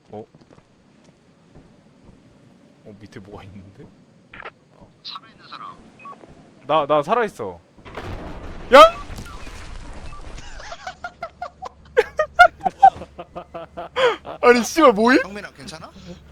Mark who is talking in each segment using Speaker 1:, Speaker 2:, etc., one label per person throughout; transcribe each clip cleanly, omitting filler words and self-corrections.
Speaker 1: 어? 밑에 뭐가 있는데?
Speaker 2: 살아있는 사람.
Speaker 1: 나 살아있어. 야! 아니 씨발 뭐임?
Speaker 2: 형민아 괜찮아?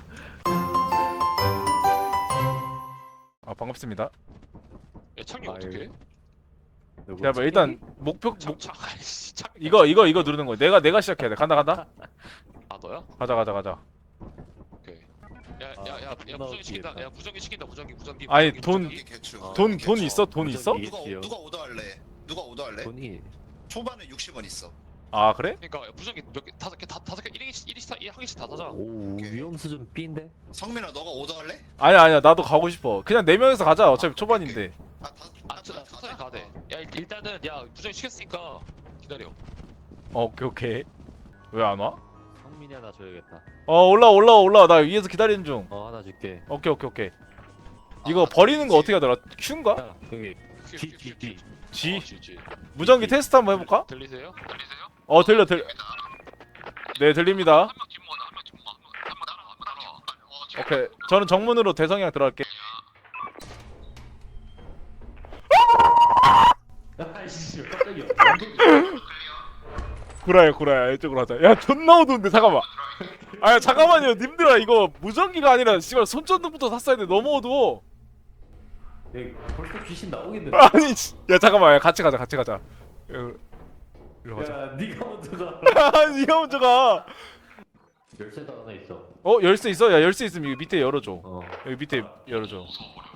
Speaker 1: 아 반갑습니다.
Speaker 3: 야 창이
Speaker 4: 아유.
Speaker 3: 어떻게?
Speaker 1: 야 뭐 일단 목표
Speaker 3: 창 아이씨 창
Speaker 1: 이거 누르는 거야. 내가 시작해야 돼. 간다.
Speaker 3: 아 너야?
Speaker 1: 가자.
Speaker 3: 오케이. 야야야 무전기 시킨다. 야 무전기 시킨다. 무전기.
Speaker 1: 아니,
Speaker 3: 무전기,
Speaker 1: 돈-
Speaker 3: 무전기.
Speaker 2: 개추.
Speaker 1: 돈
Speaker 2: 개추.
Speaker 1: 있어? 돈 있어?
Speaker 4: 무전기.
Speaker 2: 누가 오더할래? 누가 오더할래?
Speaker 4: 돈이
Speaker 2: 초반에 60원 있어.
Speaker 1: 아 그래?
Speaker 3: 그러니까 무전기 몇 개, 다섯 개 1인 한 개씩 다 사자.
Speaker 4: 오
Speaker 2: 오케이.
Speaker 4: 위험 수준 B인데?
Speaker 2: 성민아 너가 오더할래?
Speaker 1: 아니야 나도 가고 싶어. 그냥 4명이서 가자. 어차피 초반인데.
Speaker 3: 천천히 가야 돼. 야 일단은 야 무전기 시켰으니까 기다려.
Speaker 1: 오케이. 왜 안 와?
Speaker 4: 성민이 하나 줘야겠다.
Speaker 1: 올라와. 나 위에서 기다리는 중.
Speaker 4: 하나 줄게.
Speaker 1: 오케이. 이거 버리는 거 어떻게 하더라? Q인가?
Speaker 4: 야 여기 G.
Speaker 1: G?
Speaker 3: G.
Speaker 1: 무전기 테스트 한번 해볼까?
Speaker 3: 들리세요?
Speaker 1: 들려. 네 들립니다.
Speaker 2: 한명 뒷문 한명 따라와.
Speaker 1: 오케이. 저는 정문으로 대성이랑 들어갈게.
Speaker 4: 아이씨 깜짝이야.
Speaker 1: 구라야 이쪽으로 하자. 야 존나 어두운데 잠깐만. 아야 잠깐만요 님들아 이거 무전기가 아니라 씨발 손전등부터 샀어야 돼. 너무 어두워.
Speaker 4: 벌써 귀신 나오겠는데?
Speaker 1: 아니 야 잠깐만. 야, 같이 가자. 이리로 가자.
Speaker 4: 야 니가 먼저 가.
Speaker 1: 니가 먼저 가.
Speaker 4: 열쇠도 하나 있어.
Speaker 1: 열쇠 있어? 야 열쇠 있으면 여기 밑에 열어줘.
Speaker 4: 어.
Speaker 1: 여기 밑에 열어줘.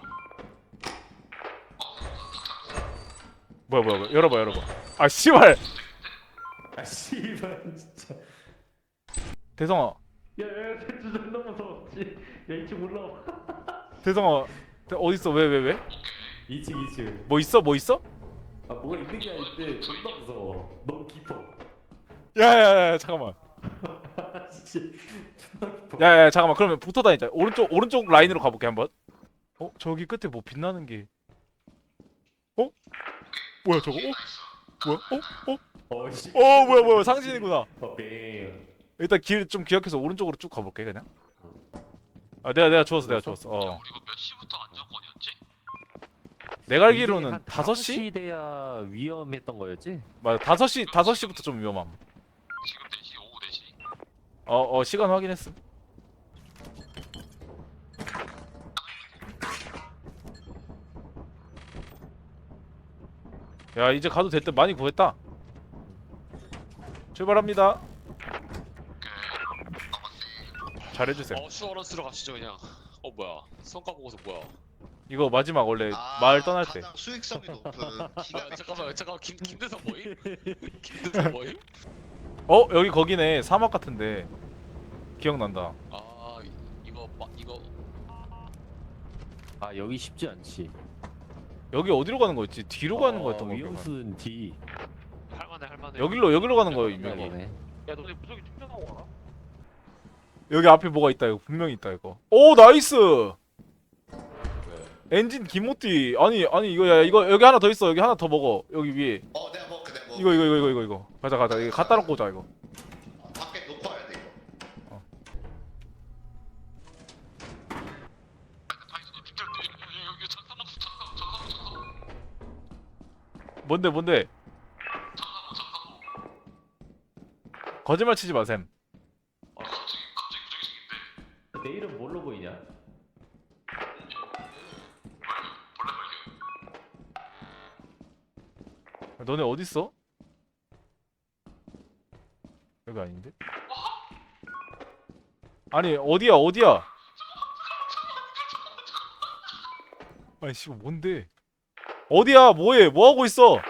Speaker 1: 뭐야 열어봐. 아 씨발.
Speaker 4: 아 씨발 진짜.
Speaker 1: 대성아
Speaker 4: 야야 존나 무서워. 야 2층 올라와.
Speaker 1: 대성아 어딨어? 왜?
Speaker 4: 2층.
Speaker 1: 뭐 있어?
Speaker 4: 아 뭐가 있는 게 아닌데 존나 무서워. 너무 깊어.
Speaker 1: 야야야 잠깐만.
Speaker 4: 진짜 존나 깊어.
Speaker 1: 야야 잠깐만. 그러면 붙어 다니자. 오른쪽 라인으로 가볼게 한번. 저기 끝에 뭐 빛나는 게. 뭐야 저거?
Speaker 4: 씨.
Speaker 1: 뭐야 상신이구나.
Speaker 4: 뱅.
Speaker 1: 일단 길 좀 기억해서 오른쪽으로 쭉 가볼게 그냥. 내가 주웠어.
Speaker 2: 우리 이거 몇 시부터 안전권이었지?
Speaker 1: 내가 알기로는 5시?
Speaker 4: 5시 돼야 위험했던 거였지?
Speaker 1: 맞아 5시부터 좀 위험함.
Speaker 2: 지금 4시 오후 4시.
Speaker 1: 시간 확인했음. 야 이제 가도 될 듯. 많이 구했다. 출발합니다. 잘해주세요.
Speaker 3: 슈어런스로 가시죠 그냥. 뭐야 성과 보고서 뭐야?
Speaker 1: 이거 마지막 원래 마을 떠날 때.
Speaker 2: 가장 수익성이 높은 기가
Speaker 3: 야 잠깐만 김대성 뭐임? 김대성 뭐임?
Speaker 1: 여기 거기네. 사막 같은데. 기억난다.
Speaker 3: 아 이거
Speaker 4: 아 여기 쉽지 않지.
Speaker 1: 여기 어디로 가는 거였지? 뒤로 가는 거였던 거
Speaker 4: 위험
Speaker 1: 기억나.
Speaker 4: 수준 D.
Speaker 3: 할만해.
Speaker 1: 여기로 가는 거예요 분명히.
Speaker 4: 이거네.
Speaker 3: 야 너네 무적이 충전하고 와라.
Speaker 1: 여기 앞에 뭐가 있다. 이거 분명히 있다 이거. 오 나이스. 엔진 기모띠. 아니 이거 여기 하나 더 있어. 여기 하나 더 먹어. 여기 위에.
Speaker 2: 내가 먹게.
Speaker 1: 이거. 가자. 이거 갖다 놓고 오자 이거.
Speaker 2: 밖에 놓고 와야 돼 이거.
Speaker 1: 뭔데? 거짓말 치지 마셈.
Speaker 4: 내 이름 뭘로 보이냐?
Speaker 1: 너네 어딨어? 여기 아닌데? 아니 어디야? 아니 씨 뭔데? 어디야? 뭐해? 뭐 하고 있어?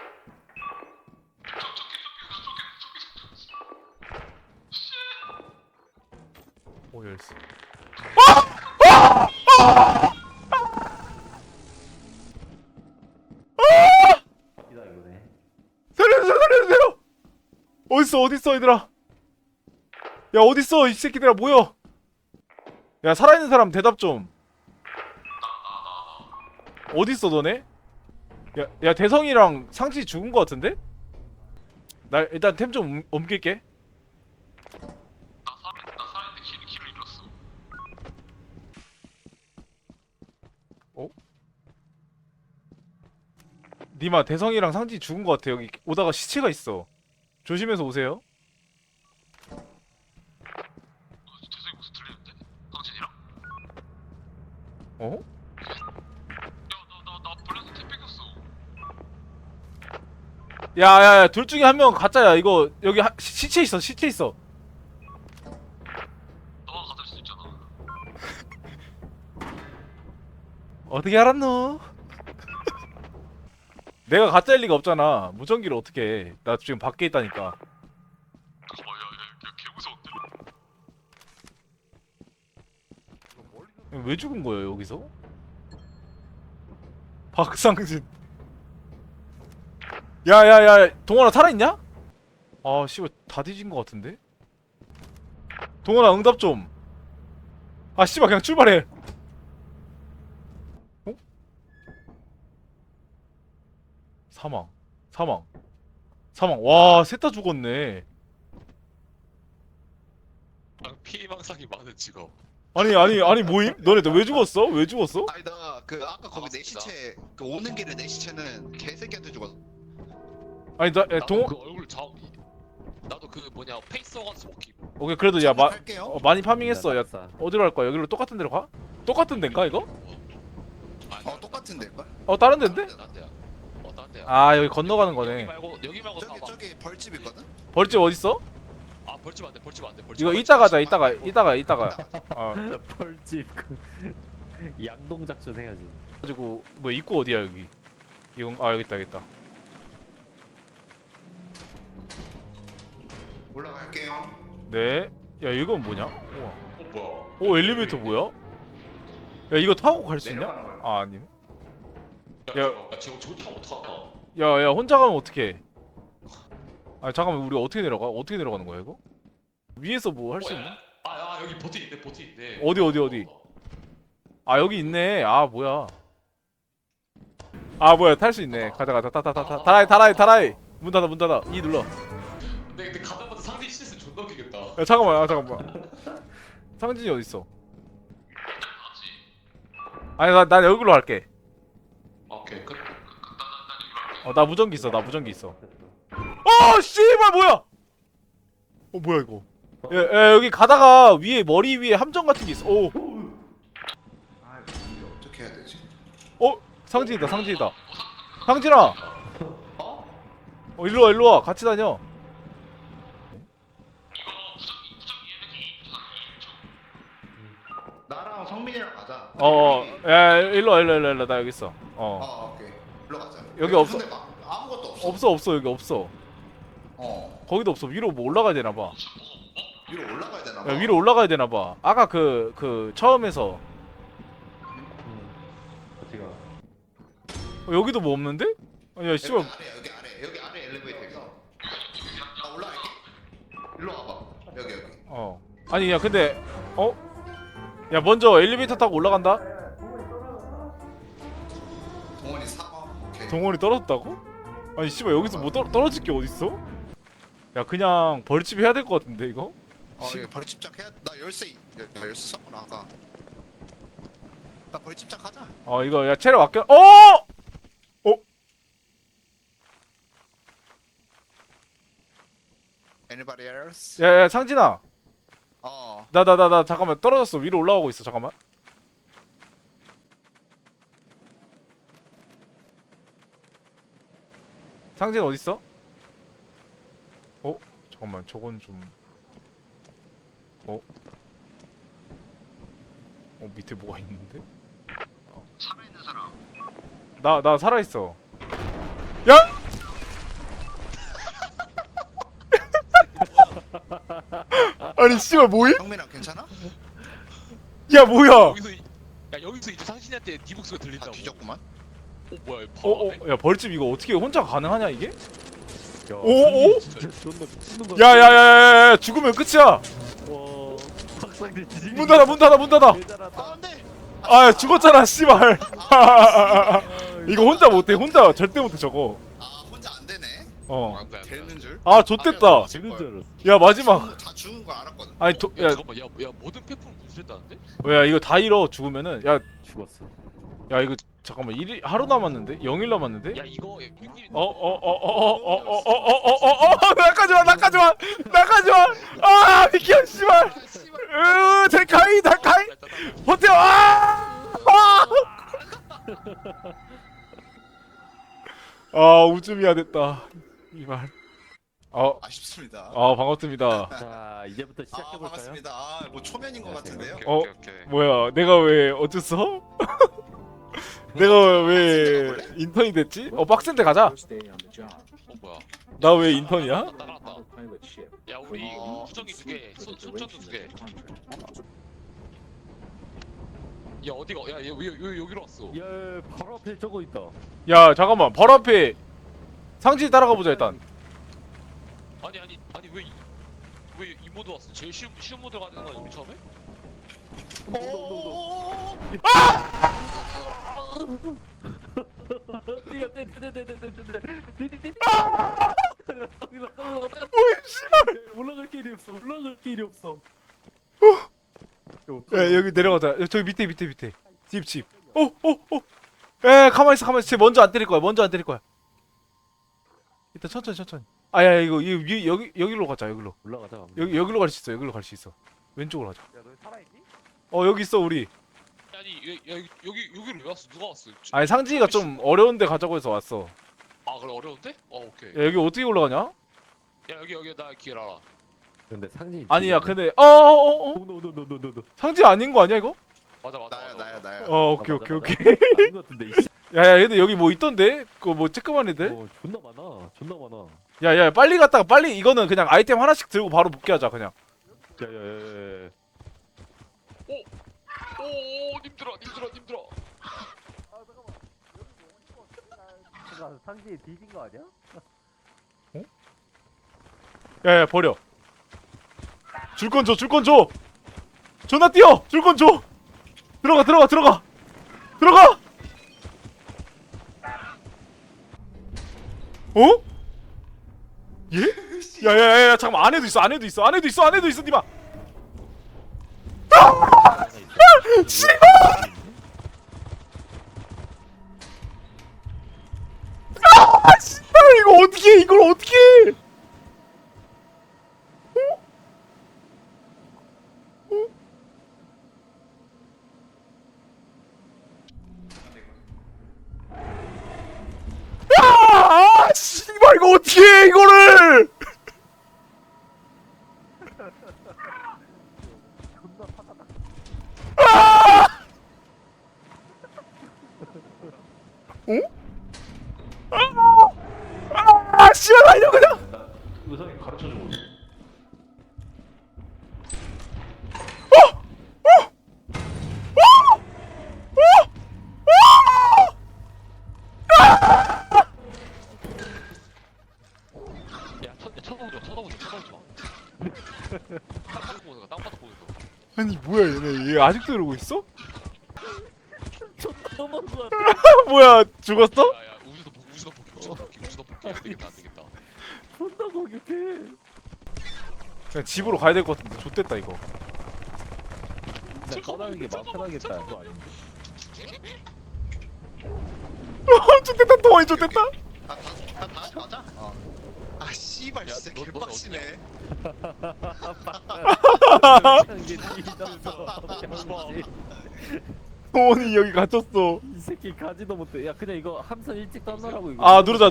Speaker 1: 열쇠.
Speaker 4: 이다 이거네.
Speaker 1: 살려주세요! 어딨어 얘들아? 야 어딨어 이 새끼들아 모여! 야 살아있는 사람 대답 좀. 어딨어 너네? 야 대성이랑 상치 죽은 거 같은데? 나 일단 템 좀 옮길게.
Speaker 2: 나 살아있는데 키를
Speaker 1: 니마 대성이랑 상진이 죽은 것 같아. 여기 오다가 시체가 있어. 조심해서 오세요.
Speaker 2: 대성이 무슨 틀리는데? 당신이랑?
Speaker 1: 어?
Speaker 2: 야나 블랙스 탭 뺏겼어.
Speaker 1: 야야야, 둘 중에 한 명 가짜야. 이거 여기 시체 있어. 시체 있어.
Speaker 2: 너가 가질 수 있잖아.
Speaker 1: 어떻게 알았노? 내가 가짜일 리가 없잖아. 무전기를 어떻게 해? 나 지금 밖에 있다니까.
Speaker 2: 잠깐만 야 개무서운데?
Speaker 1: 왜 죽은 거예요 여기서? 박상진. 야야야, 동원아 살아있냐? 아 씨발 다 뒤진 거 같은데? 동원아 응답 좀. 아 씨발 그냥 출발해. 어? 사망. 사망. 사망. 와, 셋 다 죽었네.
Speaker 3: 피해망상이 많은 직업.
Speaker 1: 아니 모임? 너네 왜 죽었어? 왜 죽었어?
Speaker 2: 아니 나 그 아까 거기 내
Speaker 3: 맞습니다.
Speaker 2: 시체 그 오는 길에 내 시체는 개새끼한테 죽었어.
Speaker 1: 아니 나 야,
Speaker 3: 나도
Speaker 1: 동
Speaker 3: 그 얼굴 나도 그 뭐냐 페이스워가지고 먹기.
Speaker 1: 오케이 그래도 야
Speaker 2: 할게요.
Speaker 1: 많이 파밍했어. 야
Speaker 4: 낙사.
Speaker 1: 어디로 갈 거야? 여기로 똑같은 데로 가? 똑같은 데인가 이거?
Speaker 2: 똑같은데 걸?
Speaker 1: 다른 데인데?
Speaker 3: 딴 데야. 딴 데야.
Speaker 1: 아 여기 건너가는
Speaker 3: 여기
Speaker 1: 거네.
Speaker 3: 말고
Speaker 2: 저기
Speaker 3: 사봐.
Speaker 2: 저기 벌집 있거든?
Speaker 1: 벌집 어딨어?
Speaker 3: 아 벌집 안 돼. 벌집 안 돼. 벌집
Speaker 1: 이거
Speaker 3: 안 돼.
Speaker 1: 이따 가자. 이따가. 어.
Speaker 4: 펄집 양동 작전 해야지.
Speaker 1: 가지고 뭐 입구 어디야 여기? 이건 여기 있다.
Speaker 2: 올라갈게요.
Speaker 1: 네. 야 이건 뭐냐? 우와.
Speaker 3: 뭐야?
Speaker 1: 오 엘리베이터 뭐야? 야 이거 타고 갈 수 있냐?
Speaker 2: 내려가는 거야.
Speaker 1: 아 아니네.
Speaker 3: 야,
Speaker 1: 야.
Speaker 3: 저거 타고 어떡하나?
Speaker 1: 야 혼자 가면 어떡해? 아 잠깐만 우리 어떻게 내려가? 어떻게 내려가는 거야 이거? 위에서 뭐 할 수 있나?
Speaker 3: 아 여기 버튼 있네. 버튼 있네.
Speaker 1: 어디? 아 여기 있네. 아 뭐야? 아 뭐야 탈 수 있네. 가자 타타타타 달아이 문 닫아 이 눌러.
Speaker 3: 근데 가다마다 상대 실수 존나 웃기겠다.
Speaker 1: 야 잠깐만. 상진이 어디 있어? 아니 난 여기로 갈게.
Speaker 3: 오케이 끝.
Speaker 1: 나 무전기 있어. 씨발 뭐야? 뭐야 이거? 야 여기 가다가 위에 머리 위에 함정 같은 게 있어. 오.
Speaker 2: 아 이거 어떻게 해야 되지?
Speaker 1: 상진이다. 상진아. 일로 와. 같이 다녀.
Speaker 2: 나랑 성민이랑 가자.
Speaker 1: 야 일로 와. 나 여기 있어.
Speaker 2: 오케이. 일로 가자.
Speaker 1: 여기 없어.
Speaker 2: 근데 막 아무것도 없어.
Speaker 1: 없어 여기 없어. 거기도 없어. 위로 뭐 올라가야 되나 봐.
Speaker 2: 위로 올라가야 되나 봐.
Speaker 1: 야 위로 올라가야 되나 봐. 아까 그 처음에서
Speaker 4: 어디가?
Speaker 1: 여기도 뭐 없는데? 야 씨발.
Speaker 2: 여기 아래 엘리베이터 있어. 나 올라갈게. 일로 와봐. 여기.
Speaker 1: 아니 야 근데 야 먼저 엘리베이터 타고 올라간다.
Speaker 2: 동원이 사과. 오케이.
Speaker 1: 동원이 떨어졌다고? 아니 씨발 여기서 뭐 떨어질 게 어딨어? 야 그냥 벌집 해야 될 것 같은데 이거?
Speaker 2: 이거 벌집작 해야. 나 열쇠 썼고 나가. 나 벌집작 하자.
Speaker 1: 이거 야 체력 아껴.
Speaker 2: Anybody else?
Speaker 1: 야 상진아.
Speaker 2: 어.
Speaker 1: 나 잠깐만 떨어졌어. 위로 올라가고 있어. 잠깐만. 상진 어디 있어? 잠깐만 저건 좀. 밑에 뭐가 있는데?
Speaker 2: 살아있는 사람.
Speaker 1: 나 살아 있어. 야! 아니 씨발 뭐임?
Speaker 2: 성민아 괜찮아?
Speaker 1: 야 뭐야?
Speaker 3: 여기서 이제 상신이한테 네 목소리
Speaker 2: 다
Speaker 3: 들린다고.
Speaker 2: 뒤졌구만.
Speaker 3: 뭐야 이거 바로
Speaker 1: 야 벌집 이거 어떻게 혼자 가능하냐 이게?
Speaker 4: 야,
Speaker 1: 오?
Speaker 4: 진짜 존나 미치는 거야.
Speaker 1: 야야야야야 죽으면 끝이야.
Speaker 4: 와, 박상대 지지.
Speaker 1: 문 닫아.
Speaker 4: 대단하다.
Speaker 2: 안돼.
Speaker 1: 아 죽었잖아 씨발. 이거 혼자 못해. 혼자 절대 못해 저거.
Speaker 2: 혼자 안 되네. 되는 줄.
Speaker 1: 아 좆됐다.
Speaker 4: 지는 줄 알았어.
Speaker 1: 야 마지막.
Speaker 2: 다 죽은 거 알았거든.
Speaker 1: 아니
Speaker 3: 잠깐만 야 모든 폐품 분출했다는데?
Speaker 1: 야 이거 다 잃어 죽으면은. 야
Speaker 4: 죽었어.
Speaker 1: 야 이거 잠깐만 하루 남았는데? 0일 남았는데?
Speaker 3: 야 이거 6일
Speaker 1: 나까지마 나까지마 나까지마 아 비켜 씨발 데카이 데카이 버텨 아 우쯤이야 됐다 이말
Speaker 2: 아쉽습니다.
Speaker 1: 반갑습니다
Speaker 4: 자 이제부터 시작해볼까요?
Speaker 2: 반갑습니다. 뭐 초면인 것 같은데요.
Speaker 3: 오케이.
Speaker 1: 뭐야 내가 왜 어땠어? 내가 왜 인턴이 됐지? 빡센데 가자
Speaker 3: 뭐야?
Speaker 1: 나 왜 인턴이야?
Speaker 3: 따라왔다. 야 우리 수정이 2개, 손전도 2개. 야 어디가? 야 여기로 왔어.
Speaker 4: 야 바로 앞에 저거 있다.
Speaker 1: 야 잠깐만 바로 앞에 상진이 따라가 보자 일단
Speaker 3: 아니 왜 이 모드 왔어? 제일 쉬운 모드 가는 거 우리 처음에?
Speaker 4: 올라갈 길이 없어. 올라갈 길이 없어.
Speaker 1: 야 여기 내려가자 저기 밑에 집 에 가만히 있어 쟤 먼저 안 때릴 거야 일단 천천히 아야 이거 여기로 가자 여기로
Speaker 4: 올라가자.
Speaker 1: 여기로 갈 수 있어 왼쪽으로 가자
Speaker 4: 야너 살아있니?
Speaker 1: 여기 있어 우리
Speaker 3: 아니 여기로 왜 왔어? 누가 왔어?
Speaker 1: 아니 상진이가 좀 어려운데 가자고 해서 왔어
Speaker 3: 아 그래 어려운데? 오케이.
Speaker 1: 야 여기 어떻게 올라가냐?
Speaker 3: 야 여기 나 길 알아.
Speaker 4: 근데 상진이
Speaker 1: 아니야 근데
Speaker 4: 노노노노노노
Speaker 1: 상진 아닌 거 아니야 이거?
Speaker 3: 맞아.
Speaker 2: 나야.
Speaker 1: 오케이
Speaker 4: 아닌 것 같은데 이씨.
Speaker 1: 야야 얘들 여기 뭐 있던데? 그거 뭐 쬐끄만 애들?
Speaker 4: 존나 많아.
Speaker 1: 야야 빨리 갔다가 빨리 이거는 그냥 아이템 하나씩 들고 바로 복귀하자 그냥
Speaker 4: 야야야야.
Speaker 3: 오 님들아.
Speaker 4: 상진이 뒤진 거 아니야?
Speaker 1: 야야 버려 줄 건 줘 존나 뛰어 줄 건 줘 들어가 어? 예? 야야야 잠깐만 안에도 있어 니마 이걸 어떻게 해 씨발 이거 어떻게 해 이거를 씨발 달려 그냥
Speaker 4: 의상이 가르쳐주고.
Speaker 3: 야 쳐다보지 마. 땅바닥 보는 거.
Speaker 1: 아니 뭐야 얘 아직도 이러고 있어?
Speaker 4: 너무 좋아.
Speaker 1: 뭐야 죽었어?
Speaker 3: 야야 우주도 복귀. 안 되겠다.
Speaker 4: 존나 공격해.
Speaker 1: 그냥 집으로 가야 될 것 같은데 좆됐다 이거
Speaker 4: 나 떠나는 게 마음 편하겠다. 그거 아닌데.
Speaker 1: 좆됐다 동원이 좆됐다
Speaker 2: 다 맞아? 아 씨발
Speaker 3: 야,
Speaker 2: 진짜
Speaker 3: 너- 너
Speaker 2: 개빡치네.
Speaker 4: 이게 뒤졌어.
Speaker 1: 동원이 여기 갇혔어
Speaker 4: 이 새끼 가지도 못해. 야 그냥 이거 함선 일찍 떠나라고 이거.
Speaker 1: 아 누르자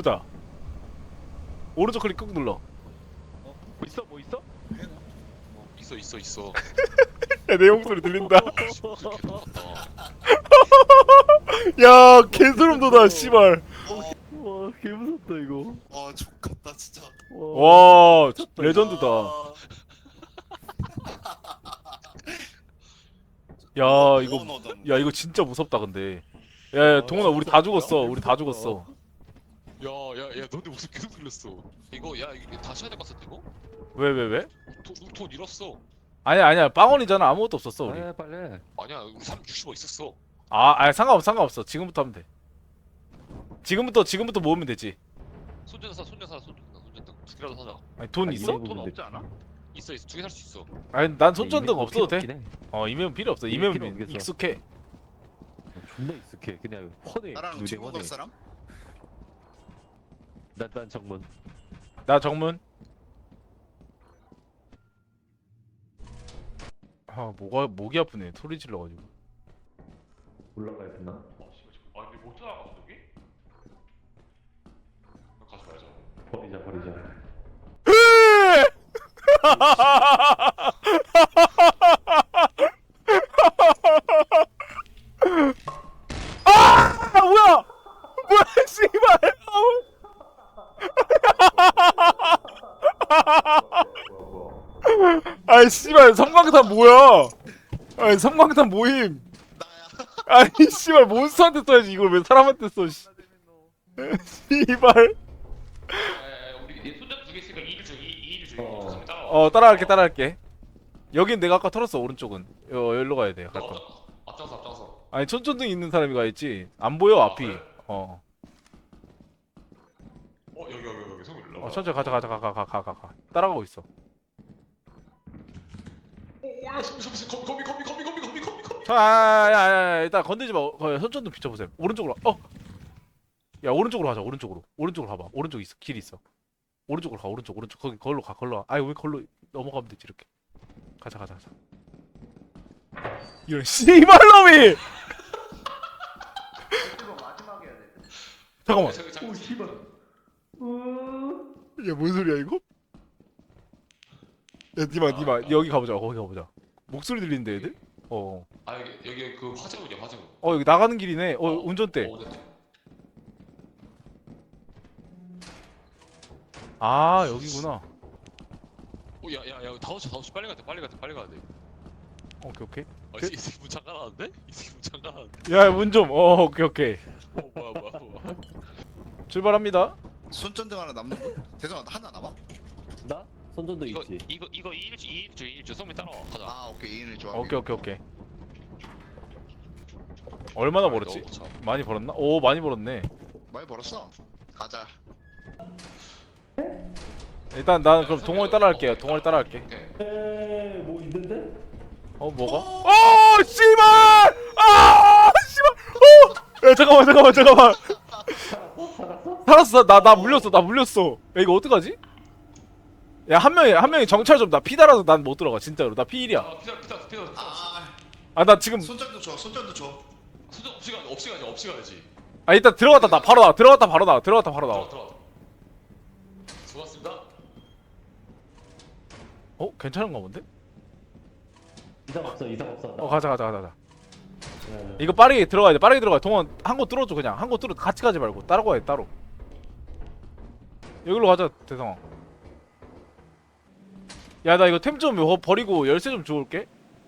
Speaker 1: 오른쪽 클릭 꾹 눌러
Speaker 4: 뭐 있어?
Speaker 3: 있어.
Speaker 1: 야 내 목소리 들린다
Speaker 3: 어.
Speaker 1: 야 개소름 돋아 씨발
Speaker 4: 와 개무섭다 이거.
Speaker 2: 족같다 진짜.
Speaker 1: 와 레전드다 야 이거 진짜 무섭다 근데 야 동원아 우리 다 죽었어
Speaker 3: 야 너네 목소리 계속 들렸어. 이거 다시 해야 될 것 같은데 이거?
Speaker 1: 왜?
Speaker 3: 돈 잃었어.
Speaker 1: 아니야 빵원이잖아 아무것도 없었어 우리
Speaker 4: 빨리.
Speaker 3: 아니야 우리 360원 있었어.
Speaker 1: 아니 상관없어 지금부터 하면 돼 지금부터 모으면 되지
Speaker 3: 손전등 두 개라도 사자.
Speaker 1: 아니 돈 있어?
Speaker 3: 돈 없지 않아? 있어 2개 살 수 있어.
Speaker 1: 아니 난 손전등 없어도 돼
Speaker 4: 돼.
Speaker 1: 이메일 필요 없어
Speaker 4: 이메일 필요
Speaker 1: 이메일
Speaker 4: 없겠어.
Speaker 1: 익숙해
Speaker 4: 존나 익숙해. 그냥 훤해.
Speaker 2: 나랑
Speaker 4: 눈에
Speaker 2: 친구
Speaker 4: 훤해.
Speaker 2: 갈 사람?
Speaker 4: 난 정문.
Speaker 1: 나 정문. 아 뭐가 목이 아프네. 소리 질러가지고.
Speaker 4: 올라가야 되나?
Speaker 3: 아 근데 못 들어가거든 여기? 가지 말자.
Speaker 4: 버리자.
Speaker 1: 아 뭐야? 뭐야 씨발. 아이 씨발 섬광탄 뭐야? 아이 섬광탄 모임.
Speaker 2: 나야.
Speaker 1: 아니 씨발 몬스터한테 써야지 이걸 왜 사람한테 써? 씨. 씨발.
Speaker 3: 우리 얘 손잡이 두개 있으니까 2일 중 2일 중
Speaker 4: 어.
Speaker 3: 조심히 따라와.
Speaker 1: 따라갈게. 여긴 내가 아까 털었어. 오른쪽은. 여기로 가야 돼. 갈 거.
Speaker 3: 앞장서.
Speaker 1: 아니 천천등 있는 사람이 가야지. 안 보여
Speaker 3: 아,
Speaker 1: 앞이.
Speaker 3: 그래?
Speaker 1: 어.
Speaker 3: 여기 성우 일로.
Speaker 1: 천천히 가자. 따라가고 있어.
Speaker 3: 올라 거미.
Speaker 1: 야, 일단 건들지 마. 손전등 비춰보세요. 오른쪽으로. 야, 오른쪽으로 가자. 오른쪽으로 가봐. 오른쪽 있어. 길 있어. 오른쪽으로 가. 오른쪽. 걸로 가. 아니 왜 걸로 넘어가면 되지 이렇게. 가자. 이런 씨발놈이. 잠깐만.
Speaker 4: 오 씨발.
Speaker 1: 야, 뭔 소리야 이거? 야, 니마. 여기 가보자. 거기 가보자. 목소리 들리는데 애들?
Speaker 3: 아 여기 그 화재문이야 화재문.
Speaker 1: 여기 나가는 길이네. 운전대. 아, 여기구나.
Speaker 3: 야야 5시 빨리 가야 돼.
Speaker 1: 오케이.
Speaker 3: 이 새끼 문 잠가놨는데?
Speaker 1: 야, 문 좀. 오케이.
Speaker 3: 뭐야.
Speaker 1: 출발합니다.
Speaker 2: 손전등 하나 남는 거? 대성아 하나 남아?
Speaker 4: 나? 손전도
Speaker 3: 이거
Speaker 4: 있지.
Speaker 3: 2일 중 성민 따라와 가자.
Speaker 2: 아 오케이 이인을 좋아.
Speaker 1: 오케이. 얼마나 벌었지? 많이 벌었나? 오, 많이 벌었네.
Speaker 2: 많이 벌었어. 가자.
Speaker 1: 일단 나는 그럼 동원이 따라갈게요.
Speaker 3: 오케이.
Speaker 4: 뭐 있는데?
Speaker 1: 뭐가? 씨발! 씨발! 야, 잠깐만. 살았어. 나 물렸어. 야, 이거 어떡하지? 야, 한 명이 정찰 좀. 나 피달아서 난 못 들어가. 진짜로. 나 피일이야.
Speaker 3: 아 피자.
Speaker 1: 나 지금
Speaker 2: 손전등 줘.
Speaker 3: 수정 없이 가야지.
Speaker 1: 일단 들어갔다 나 바로 나와. 들어갔다 바로 나와.
Speaker 3: 들어가. 수고하셨습니다.
Speaker 1: 괜찮은가 본데?
Speaker 4: 이상 없어.
Speaker 1: 가자.
Speaker 4: 네.
Speaker 1: 이거 빠르게 들어가야 돼. 빠르게 들어가. 동원 한 곳 뚫어줘 그냥. 한 곳 뚫어. 같이 가지 말고 따로 가야 돼. 따로. 여기로 가자 대성아. 야, 나 이거 템 좀 버리고 열쇠 좀 주울게.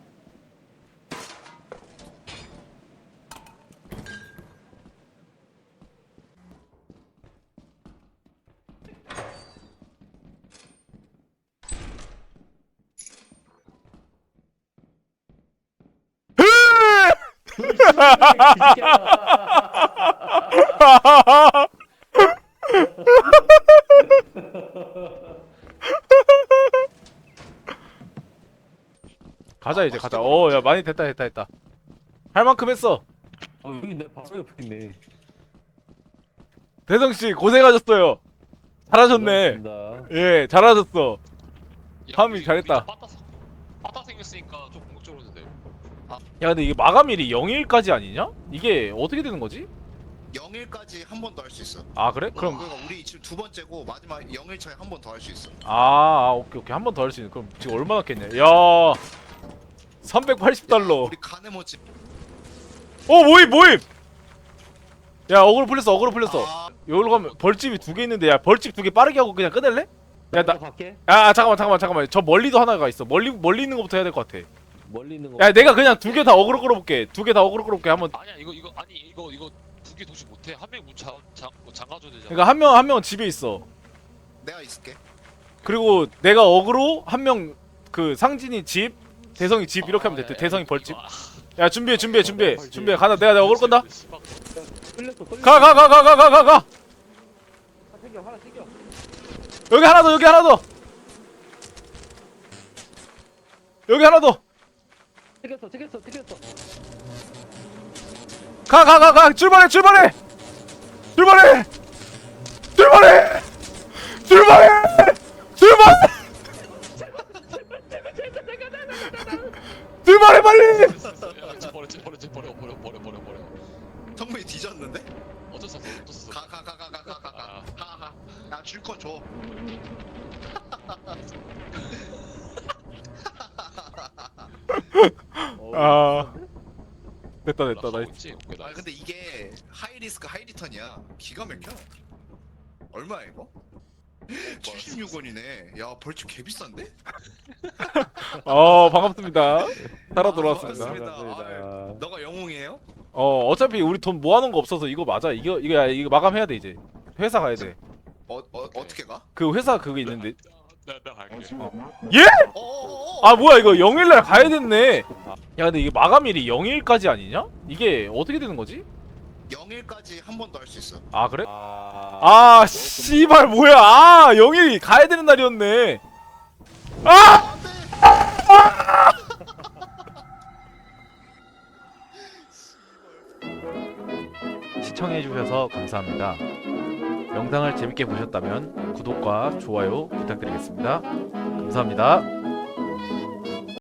Speaker 1: 가자 이제 가자. 야, 많이 됐다. 할 만큼 했어.
Speaker 4: 여기 내 바로 옆에 있네.
Speaker 1: 대성 씨 고생하셨어요. 잘하셨네.
Speaker 4: 고맙습니다.
Speaker 1: 예, 잘하셨어. 파밍 잘했다.
Speaker 3: 빠따 생겼으니까 좀 공격적으로 해도 돼.
Speaker 1: 야, 근데 이게 마감일이 0일까지 아니냐? 이게 어떻게 되는 거지?
Speaker 2: 0일까지 한 번 더 할 수 있어.
Speaker 1: 아, 그래? 그럼
Speaker 2: 그러니까 우리 지금 두 번째고 마지막 0일 차에 한 번 더 할 수 있어.
Speaker 1: 오케이. 한 번 더 할 수 있는. 그럼 지금 얼마나 깼냐? 야, 380달러.
Speaker 2: 우리 가네모지.
Speaker 1: 모임. 야, 어그로 풀렸어.
Speaker 2: 아,
Speaker 1: 여기로 가면 벌집이 2개 있는데, 야, 벌집 2개 빠르게 하고 그냥 끊을래? 야,
Speaker 4: 갈게.
Speaker 1: 잠깐만. 저 멀리도 하나가 있어. 멀리 있는 것부터 해야 될 것 같아.
Speaker 4: 멀리 있는 거.
Speaker 1: 야, 내가 그냥 2개 다 어그로 끌어볼게. 한번.
Speaker 3: 아니야 이거 두 개 동시 못해. 한 명 문 잠가줘야 되잖아.
Speaker 1: 그러니까 한 명은 집에 있어.
Speaker 2: 내가 있을게.
Speaker 1: 그리고 내가 어그로, 한 명 그 상진이 집, 대성이 집 이렇게 하면 돼. 대성이 벌집. 야, 준비해. 가자. 내가 어그로 끈다.
Speaker 4: 끌렸어.
Speaker 1: 가.
Speaker 4: 하나 챙겨.
Speaker 1: 여기 하나 더.
Speaker 4: 챙겼어.
Speaker 1: 가 출발해 출발해 출발해 출발해 출발해 출발 출발해 빨리.
Speaker 3: 야, 버려.
Speaker 2: 성민이 뒤졌는데?
Speaker 3: 어쩔 수 없어.
Speaker 2: 가. 야줄 거 줘.
Speaker 1: 아 됐다 나이스.
Speaker 3: 오케이,
Speaker 2: 아
Speaker 3: 나이스.
Speaker 2: 근데 이게 하이 리스크 하이 리턴이야. 기가 막혀. 얼마야 이거? 76원이네. 야 벌칙 개 비싼데?
Speaker 1: 반갑습니다. 살아 돌아왔습니다.
Speaker 2: 반갑습니다. 아유, 너가 영웅이에요?
Speaker 1: 어차피 우리 돈 모아놓은 거 없어서 이거 맞아. 이거 마감해야 돼 이제. 회사 가야 돼.
Speaker 2: 어떻게 가?
Speaker 1: 그 회사 그거 있는데.
Speaker 3: 나 갈게.
Speaker 1: 예?
Speaker 2: 어어어.
Speaker 1: 아 뭐야 이거 0일날 가야 됐네. 야 근데 이게 마감일이 0일까지 아니냐? 이게 어떻게 되는 거지?
Speaker 2: 0일까지 한 번 더 할 수 있어.
Speaker 1: 아 그래? 아 씨발 뭐야? 아 0일 가야 되는 날이었네. 아! 시청해주셔서 감사합니다. 영상을 재밌게 보셨다면 구독과 좋아요 부탁드리겠습니다. 감사합니다.